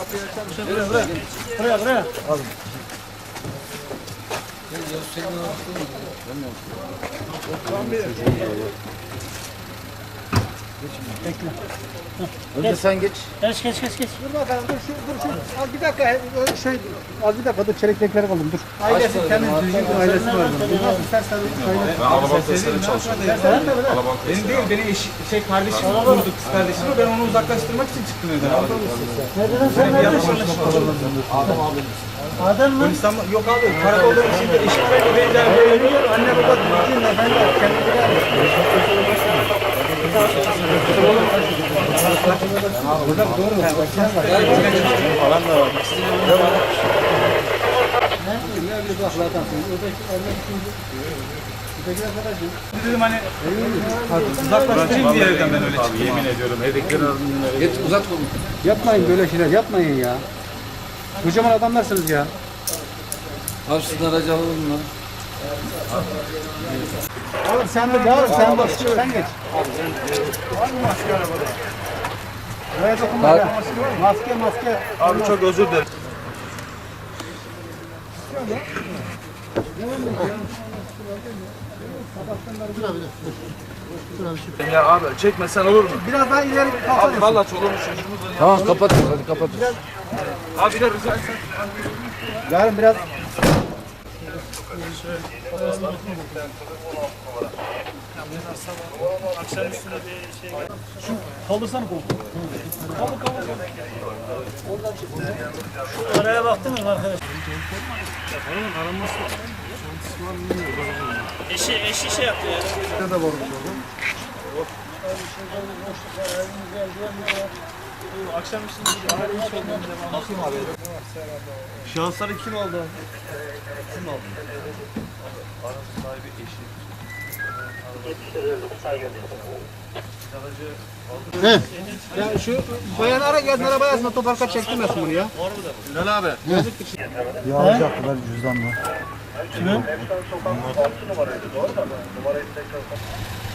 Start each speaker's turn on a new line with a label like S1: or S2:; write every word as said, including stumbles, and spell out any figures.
S1: Buraya, buraya, buraya.
S2: Alın.
S1: Bekle.
S2: Önce sen geç.
S1: Geç, geç, geç, geç.
S3: Dur bakalım, dur, şu, dur, şu, az bir dakika, şey, az bir dakika, dur, çelikleri alalım, dur. Ailesi, kendi düzgün ailesi var. Bu nasıl sers tabii?
S4: Ben Alaban testleri çalışıyorum. Alaban
S5: Benim değil, benim eş, şey kardeşim vurdu, kız kardeşim. Ben onu uzaklaştırmak için çıktım evden.
S1: Nereden sen neredesin?
S2: Adam abi.
S1: Adem mi?
S5: İstanbul, yok abi, karakolda bir şeyde eşim böyle benzer böyle.
S3: Anne baba düzgün, efendim, kendileri
S2: Falan da var.
S5: Dedim hani uzaklaştırayım diye evden ben öyle çıktım.
S4: yemin ediyorum evdekiler arasında
S2: Geç uzat kolunu.
S3: Yapmayın böyle şeyler, yapmayın ya. Kocaman adamlarsınız ya.
S2: Abi sizin aracı alalım lan.
S3: Oğlum sen de yavrum, sen bak, sen geç. Buraya dokunma ya. Maske, maske.
S4: Abi çok özür dilerim. Ya abi çekmesen olur mu?
S3: Biraz daha ileri
S4: Abi
S3: kalkalım.
S4: valla çoluğumuz çocuğumuz var.
S2: Tamam kapat hadi kapat.
S4: Abi bir de rica etsem.
S3: Yarın biraz
S1: Kaldırsana kolu. Kaldır, kaldır. Şu araya baktınız mı arkadaş? Eşi, eşi şey yaptı ya. Akşam üstünde bakayım abi. Şahısları kim aldı? Kim aldı? Aracı sahibi eşi.
S3: ya şu bayan ara geldin arabaya aslında toparka çektirmesin bunu ya.
S4: Bilal abi.
S2: Yağlayacaklar cüzdanla.
S1: Kimin?